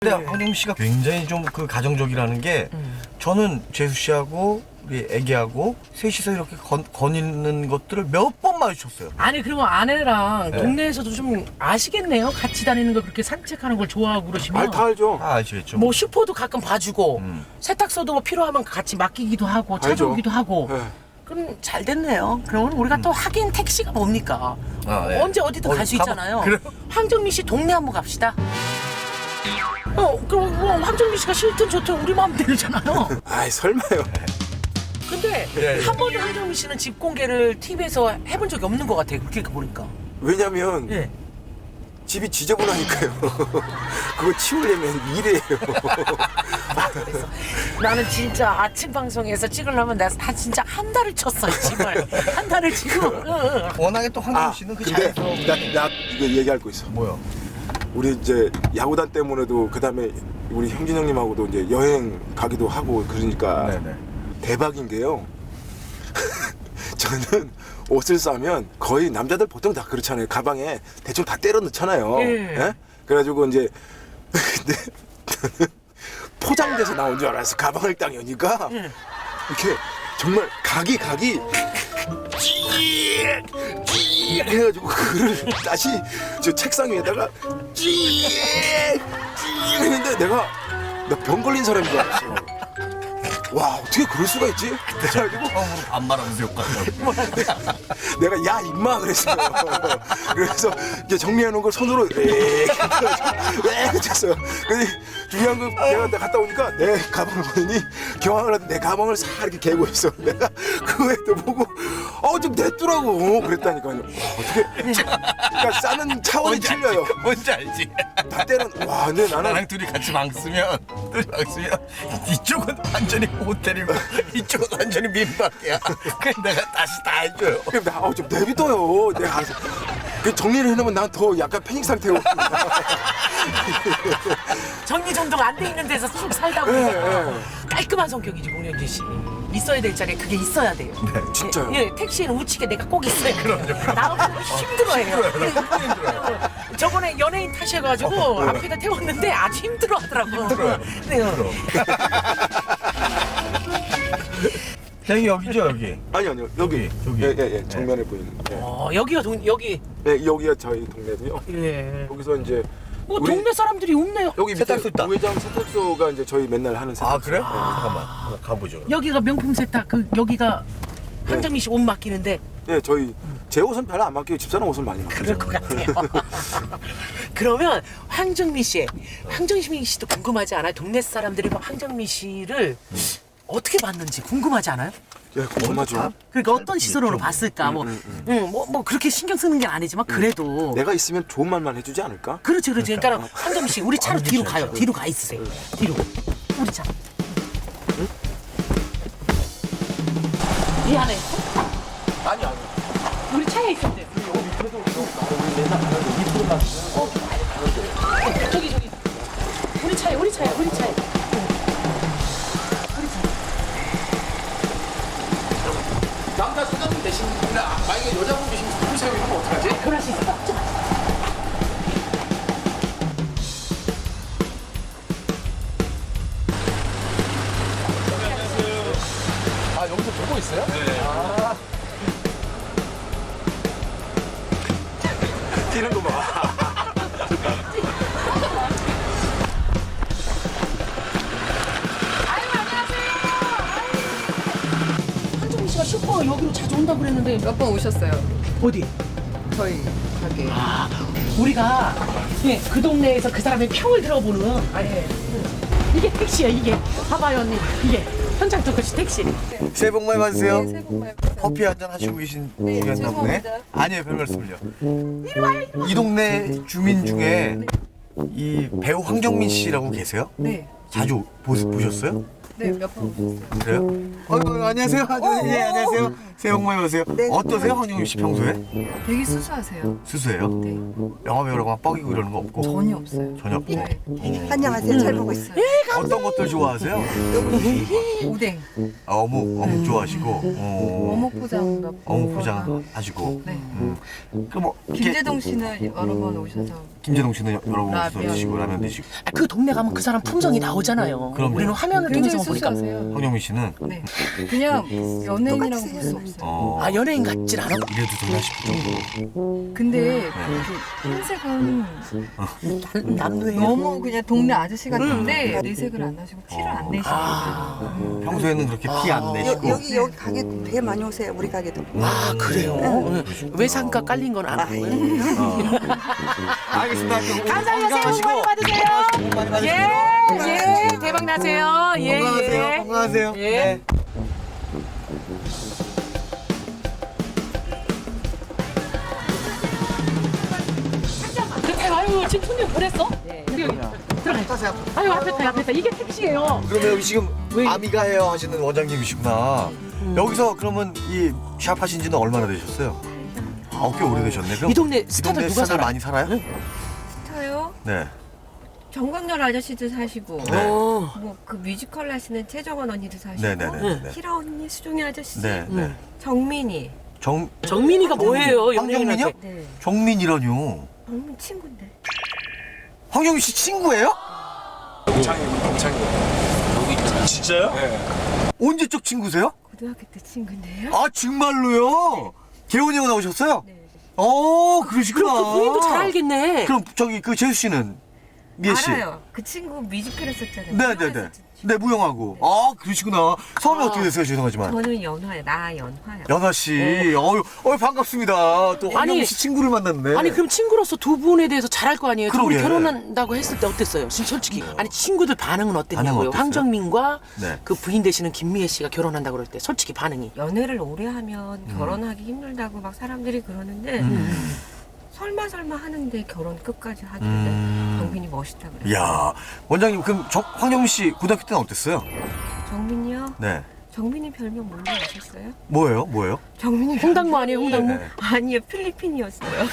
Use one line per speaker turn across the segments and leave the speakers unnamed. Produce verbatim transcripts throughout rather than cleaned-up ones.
근데 황정민 씨가 굉장히 좀 그 가정적이라는 게 음. 저는 재수 씨하고 우리 애기하고 셋이서 이렇게 건, 거니는 것들을 몇 번 마주쳤어요.
아니 그러면 아내랑
네.
동네에서도 좀 아시겠네요? 같이 다니는 거 그렇게 산책하는 걸 좋아하고 그러시면.
알, 다 알죠.
다 아시겠죠?
뭐 슈퍼도 가끔 봐주고
음.
세탁소도 뭐 필요하면 같이 맡기기도 하고
알죠.
찾아오기도 하고.
네.
그럼 잘 됐네요. 그러면 우리가 또 하긴 택시가 뭡니까?
아, 네.
언제 어디든
어,
갈 수
가봐.
있잖아요.
그래요?
황정민 씨 동네 한번 갑시다. 어, 그럼 뭐 황정민 씨가 싫든 좋든 우리 마음대로잖아요.
아이 설마요.
근데
예, 예.
한 번도 황정민 씨는 집 공개를 티비에서 해본 적이 없는 것 같아요. 그렇게 보니까.
왜냐면
예.
집이 지저분하니까요. 그거 치우려면 일이에요.
그래서 나는 진짜 아침 방송에서 찍으려면 나 한- 진짜 한 달을 쳤어 이 집을. 한 달을 치고. 응, 응.
워낙에 또 황정민
아
씨는 그
근데
자연스러운
나, 나 이거 얘기할 거 있어.
뭐요?
우리 이제 야구단 때문에도 그 다음에 우리 형진 형님하고도 이제 여행 가기도 하고 그러니까
네네.
대박인 게요. 저는 옷을 싸면 거의 남자들 보통 다 그렇잖아요. 가방에 대충 다 때려 넣잖아요.
예.
예? 그래가지고 이제 근데 저는 포장돼서 나온 줄 알았어. 가방을 딱 여니까
예.
이렇게 정말 각이 각이 찌익 찌익 해가지고 그거를 다시 저 책상 위에다가 찌익 찌익 했는데 내가 나 병 걸린 사람인 줄 알았어. 와 어떻게 그럴 수가 있지? 그래가지고
처음으로 반말하면서 욕하더라고요.
내가 야 임마 그랬어요. 그래서 이제 정리해놓은 걸 손으로 왜 했어요. 근데 중요한 건 내가 갔다 오니까 내 가방을 보더니 경황을 하던 내 가방을 싹 이렇게 개고 있어. 내가 그거에 또 보고 어좀 냈더라고 그랬다니까요. 와, 어떻게 그러니까 싸는 차원이
뭔지
틀려요.
알지? 뭔지 알지?
다 때는 와 근데 나는
나랑 둘이 같이 방 쓰면 둘이 방 쓰면 이쪽은 완전히 호텔이고 이쪽은 완전히 민박이야. 그래서 내가 다시 다 해줘요.
그럼 나 어, 좀 내비둬요. 내가 알아서 그 정리를 해놓으면 난 더 약간 패닉 상태고.
정리정돈 안 돼 있는 데서 쭉 살다 보니까
예, 예.
깔끔한 성격이지 공연진 씨. 있어야 될 자리에 그게 있어야 돼요.
네,
진짜요?
예, 예, 택시에는 우측에 내가 꼭 있어요. 그럼요. 나 없으면 힘들어해요. 저번에 연예인 탓해가지고 앞에다 태웠는데 아주 힘들어하더라고.
힘들어요.
네.
형이 여기죠 여기.
아니 아니요 여기
여기.
예예예 예, 정면에 보이는 예.
어, 여기가 동, 여기.
예, 여기가 저희 동네고요.
예.
여기서 이제
뭐
우리-
동네 사람들이 없네요.
여기 밑에
세탁소 있다.
우회장 세탁소가 이제 저희 맨날 하는 세탁소.
아 그래요? 잠깐만 한번 가보죠.
여기가 명품 세탁. 그 여기가 황정민 씨 옷 맡기는데
예, 저희 제 옷은 별로 안 맡기고 집사람 옷은 많이 맡겨요.
그럴 것 같아요. 그러면 황정민 씨, 황정민 씨도 궁금하지 않아요? 동네 사람들이 뭐 황정민 씨를 어떻게 봤는지 궁금하지 않아요?
예, 궁금하죠.
그러니까 어떤 시선으로 봤을까? 뭐, 응, 뭐, 뭐 그렇게 신경 쓰는 게 아니지만 그래도.
내가 있으면 좋은 말만 해주지 않을까?
그렇지, 그렇지. 그러니까 황정민 씨, 우리 차로 뒤로 가요. 뒤로 가 있으세요. 뒤로. 우리 차. 미안해.
아니 아니.
우리 차에 있었대. 어, 저기 저기. 우리 차에, 우리 차에, 우리 차에.
남자 사장님 대신 만약에 여자분 계시면 누구세요? 이러면 어떡하지?
그럴 수 있어.
아 여기서 보고 있어요? 네. 아. 뛰는 거 봐.
한정민 씨가 슈퍼 여기로 자주 온다고 그랬는데
몇 번 오셨어요?
어디?
저희 가게.
아, 우리가 예, 그 동네에서 그 사람의 평을 들어보는
아예.
이게 택시야 이게. 봐봐요 언니 이게 현장 토크시 택시.
새해 복 많이 받으세요.
네, 새해 복 많이 받으세요.
커피 한 잔 하시고 계신
네,
중이었나 보네.
죄송합니다.
아니에요, 별 말씀을요. 이 동네 주민 중에 이 배우 황정민 씨라고 계세요?
네.
자주 보, 보셨어요?
네, 몇 번 오셨어요.
그래요? 어, 어, 안녕하세요. 아, 네, 안녕하세요. 새해 복 많이 받으세요. 어떠세요, 황정민 씨 평소에?
되게 수수하세요.
수수해요?
네.
영화 배우라고 막 뻐기고 이러는 거 없고?
전혀 없어요.
전혀 없고?
네.
안녕하세요. 잘 보고 있어요.
예
어떤 것들 좋아하세요?
오뎅,
아, 어묵, 어묵 좋아하시고. 어,
어묵 포장 몇 번.
어묵 포장 하시고.
네.
음. 그럼 뭐 이렇게
김재동 씨는 여러 번 오셔서
김재동 씨는 여러 번 오셔서
라면.
드시고 라면 드시고.
아, 그 동네 가면 그 사람 품성이 나오잖아요.
그럼요.
우리는 화면을
굉장히
통해서 보니까.
수수하세요.
황영민 씨는
네. 그냥 연예인이라고 볼 수 없어요.
어,
아, 연예인 같진 않아?
이래도 되나 싶을 정도로.
근데
네.
이렇게 흰색은
남루에
너무 그냥 동네 아저씨 같은데 내색을 안 하시고 티를 안 내시고.
아,
평소에는 그렇게 티 안 내시고.
여, 기 여기 가게 되게 많이 오세요. 우리 가게도.
아 그래요? 응. 외상가 깔린 건 안 보여요?
알겠습니다.
감사합니다. 새해 복 많이 받으세요.
많이 받으시고.
예, 예, 대박 나세요. 예,
건강하세요.
예.
건강하세요.
예.
네.
그때 아유 지금 손님 보냈어? 네. 들어가. 아유 앞에 타 앞에 타 이게 택시예요.
그러면 여기 지금
왜?
아미가 헤어 하시는 원장님이시구나. 여기서 그러면 이 샵 하신 지는 얼마나 되셨어요? 아, 꽤 오래되셨네. 그럼
이 동네
이
스타들
동네
누가
스타들
살아?
많이 살아요?
저요?
네.
정광열 아저씨도 사시고
네.
어.
뭐 그 뮤지컬 하시는 최정원 언니도 사시고
네네네.
희라 언니, 수종이 아저씨,
네, 네.
정민이
정
정민이가 뭐예요?
황정민이요?
연예인한테.
네
정민이라뇨.
정민 친구인데
황영민 씨 친구예요?
진짜요?
언제적 친구세요?
고등학교 때 친구인데요.
아, 정말로요? 개원이형 나오셨어요?
네.
어, 그러시구나.
그럼 그 부인도 잘 알겠네.
그럼 저기 그 재수 씨는 미애 씨.
알아요. 그 친구 뮤지컬 했었잖아요.
네네네.
영화에서
네, 무용하고. 아, 그러시구나. 성함이
아.
어떻게 되세요? 죄송하지만.
저는 연화예요. 나 연화요.
연아 씨, 어유, 어유 반갑습니다. 또 황영
아니,
씨 친구를 만났네.
아니 그럼 친구로서 두 분에 대해서 잘 알 거 아니에요? 두 분이
그러게.
결혼한다고 했을 때 어땠어요? 진- 솔직히 아니 친구들 반응은
반응은
어땠냐고요?
어땠어요?
황정민과
네.
그 부인 되시는 김미애 씨가 결혼한다고 그럴 때 솔직히 반응이
연애를 오래 하면
음.
결혼하기 힘들다고 막 사람들이 그러는데
음.
설마 설마 하는데 결혼 끝까지 하길래
음.
정민이 멋있다 그래요.
이야, 원장님 그럼 정, 황영 씨 고등학교 때는 어땠어요?
정민이요?
네.
정민이 별명 뭔지 아셨어요?
뭐예요? 뭐예요?
정민이
홍당무 아니에요? 홍당무?
네.
아니요, 필리핀이었어요.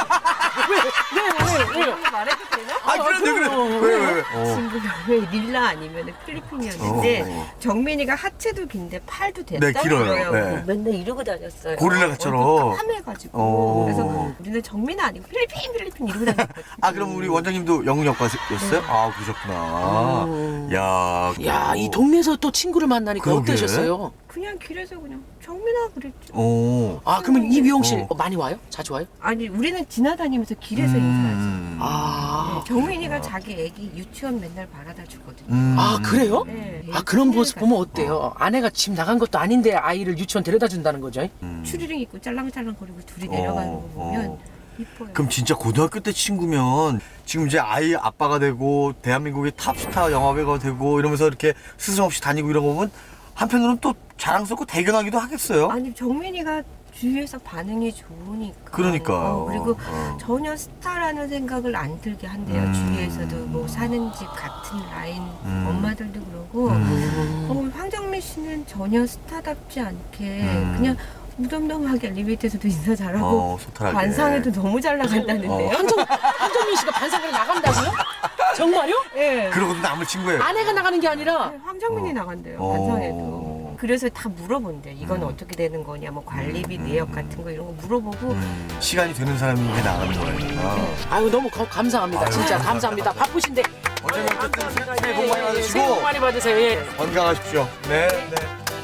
왜, 왜, 왜?
말해도 되나?
아, 그런데 그래. 왜, 왜, 왜? 어.
친구 별명이 릴라 아니면 필리핀이었는데
어.
정민이가 하체도 긴데 팔도 됐다
네, 길어요.
그래요.
네.
맨날 이러고 다녔어요.
고릴라처럼.
얼굴 까매가지고.
어.
그래서 우리는 정민이 아니고 필리핀 필리핀 이러고 다녔거든요.
아, 그럼 우리 원장님도 영문학과였어요? 아, 그러셨구나.
음.
야,
야, 이 동네에서 또 친구를 만나니까
그러게.
어떠셨어요?
그냥 길에서 그냥 정민아 그랬죠.
오.
아, 그러면 이 미용실
어.
어, 많이 와요? 자주 와요?
아니 우리는 지나다니면서 길에서 인사하지.
음.
아,
네, 정민이가 자기 애기 유치원 맨날 바라다 주거든요.
음.
아 그래요?
네,
아 그런
애기
모습 보면 어때요? 아내가 집 나간 것도 아닌데 아이를 유치원 데려다 준다는 거죠?
음.
추리링 입고 짤랑짤랑거리고 둘이 내려가는 거
어,
보면
어.
이뻐요.
그럼 진짜 고등학교 때 친구면 지금 이제 아이 아빠가 되고 대한민국의 탑스타 영화배우가 되고 이러면서 이렇게 스승 없이 다니고 이런 거 보면 한편으로는 또 자랑스럽고 대견하기도 하겠어요.
아니 정민이가 주위에서 반응이 좋으니까.
그러니까요.
어, 그리고
어.
전혀 스타라는 생각을 안 들게 한대요.
음.
주위에서도 뭐 사는 집 같은 라인
음.
엄마들도 그러고.
음.
어, 황정민 씨는 전혀 스타답지 않게
음.
그냥 무덤덤하게 엘리베이터에서도 인사 잘하고
어, 소탈하게.
관상에도 너무 잘 나간다는데요.
어.
한정, 한정민 씨가 반상으로 나간다고요? 정말요?
예.
그러고도 남을 친구예요.
아내가 나가는 게 아니라
네, 황정민이
어.
나간대요.
어.
관상에도. 그래서 다 물어본대. 이건
음.
어떻게 되는 거냐, 뭐 관리비
음.
내역 같은 거 이런 거 물어보고.
음, 시간이 되는 사람이 이제 나가는 거예요. 아.
아유 너무 거- 감사합니다.
아유,
진짜
감사합니다.
감사합니다. 바쁘신데
어쨌든 어쨌든 새해 복 많이 받으시고
새해 복 많이 받으세요. 예.
건강하십시오. 네, 네.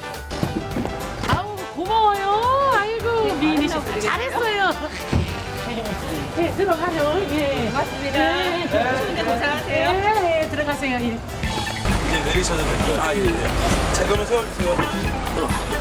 아우 고마워요. 아이고 미인이 씨 잘했어요. 예 들어가요. 예.
고맙습니다.
네.
추운데 고생하세요.
예, 예 들어가세요. 예.
이제 내리셔도 됩니다. 아, 예. 예. 잠깐만 세워주세요.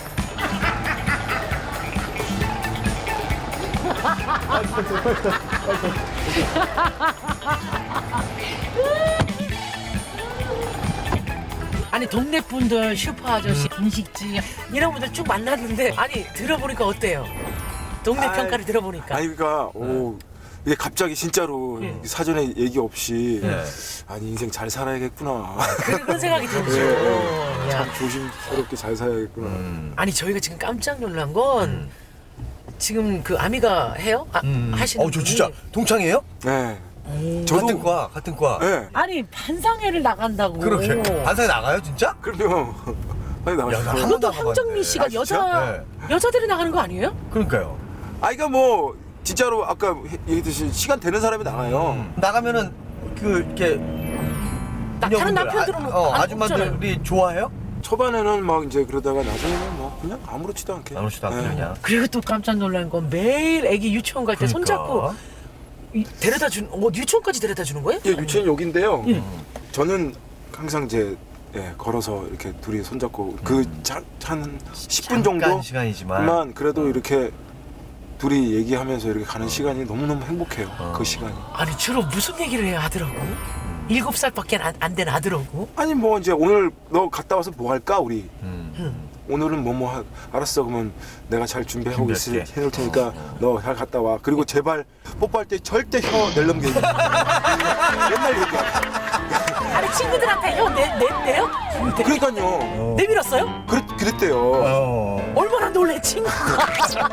아니 동네 분들 슈퍼 아저씨 분식집 이런 분들 쭉 만났는데 아니 들어보니까 어때요? 동네
아이,
평가를 들어보니까
아니, 그러니까, 오. 이게 갑자기 진짜로
예.
사전에 얘기 없이
네.
아니 인생 잘 살아야겠구나.
그런 생각이 들죠.
예,
어, 야.
참 조심스럽게 잘 살아야겠구나.
음.
아니 저희가 지금 깜짝 놀란 건 지금 그 아미가 해요? 아,
음.
하시는
어, 저
분이
진짜 동창이에요?
네. 저도
같은 과 같은 과.
예.
아니 반상회를 나간다고.
그렇게 반상에 나가요 진짜?
그럼요. 많이
야, 나
나가요.
한
그것도
번도 안
황정민
가봤네.
씨가
아, 진짜?
여자
네.
여자들이 나가는 거 아니에요?
그러니까요.
아, 그러니까 뭐 진짜로 아까 얘기했듯이 시간 되는 사람이 나가요.
음. 나가면은 그 이렇게
나- 다른
부녀분들,
남편들은
아, 어,
안
아줌마들이 좋아해요?
초반에는 막 이제 그러다가 나중에는 뭐 그냥 아무렇지도 않게.
아무렇지도 않게
예.
그냥.
그리고 또 깜짝 놀란 건 매일 애기 유치원 갈 때
그러니까.
손잡고 이- 데려다 준, 어, 유치원까지 데려다 주는 거예요?
예, 유치원 여기인데요.
예.
저는 항상 이제 예, 걸어서 이렇게 둘이 손잡고 그 한 십 분
잠깐
정도
시간이지만.
만 그래도 이렇게 둘이 얘기하면서 이렇게 가는 시간이 너무너무 행복해요.
어.
그 시간이.
아니 주로 무슨 얘기를 해야 하더라고? 일곱 살밖에 안 된 아들하고.
아니 뭐 이제 오늘 너 갔다 와서 뭐 할까 우리
음.
오늘은 뭐 뭐 알았어 그러면 내가 잘 준비하고 있을
준비할게.
해놓을 테니까 너 잘 갔다 와. 그리고 제발 뽀뽀할 때 절대 혀 낼넘게 맨날 얘기야.
아니 친구들한테 혀 내, 냈대요?
그러니까요.
어.
내밀었어요?
그랬, 그랬대요.
어.
얼마나 놀래 친구가.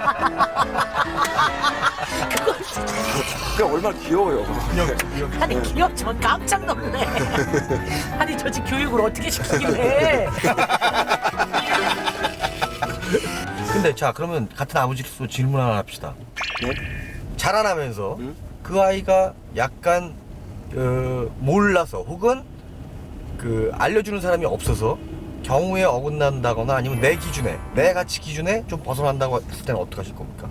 그걸
그냥 얼마나 귀여워요.
아니 기억 전 깜짝 놀래. 아니 저 집 교육을 어떻게 시키길래.
근데 자 그러면 같은 아버지로서 질문 하나 합시다.
네?
자라나면서
음?
그 아이가 약간 그 몰라서 혹은 그 알려주는 사람이 없어서 경우에 어긋난다거나 아니면 내 기준에 내 가치 기준에 좀 벗어난다고 했을 때는 어떻게 하실 겁니까?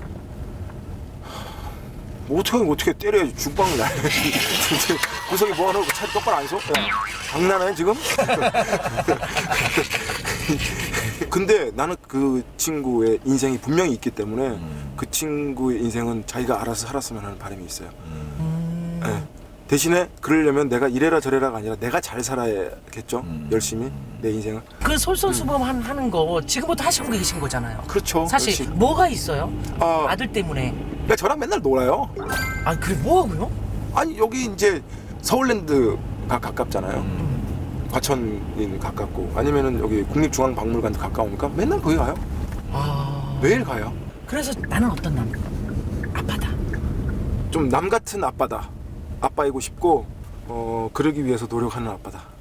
뭐 어떻게 어떻게 때려야지 죽방을 날려야지. 구석에 뭐 하는 거 차리 똑바로 안 서? 야, 장난해 지금? 근데 나는 그 친구의 인생이 분명히 있기 때문에
음.
그 친구의 인생은 자기가 알아서 살았으면 하는 바람이 있어요.
음.
예. 대신에 그러려면 내가 이래라 저래라가 아니라 내가 잘 살아야겠죠.
음.
열심히 내 인생을.
그 솔선수범 한- 하는 거 지금부터 하시고 계신 거잖아요.
그렇죠.
사실
그렇지.
뭐가 있어요?
아,
아들 때문에.
그러니까 저랑 맨날 놀아요.
아 그래 뭐 하고요?
아니 여기 이제 서울랜드가 가깝잖아요.
음.
과천이 가깝고 아니면은 여기 국립중앙박물관도 가까우니까 맨날 거기 가요.
아
매일 가요.
그래서 나는 어떤 남? 아빠다.
좀 남 같은 아빠다. 아빠이고 싶고 어 그러기 위해서 노력하는 아빠다.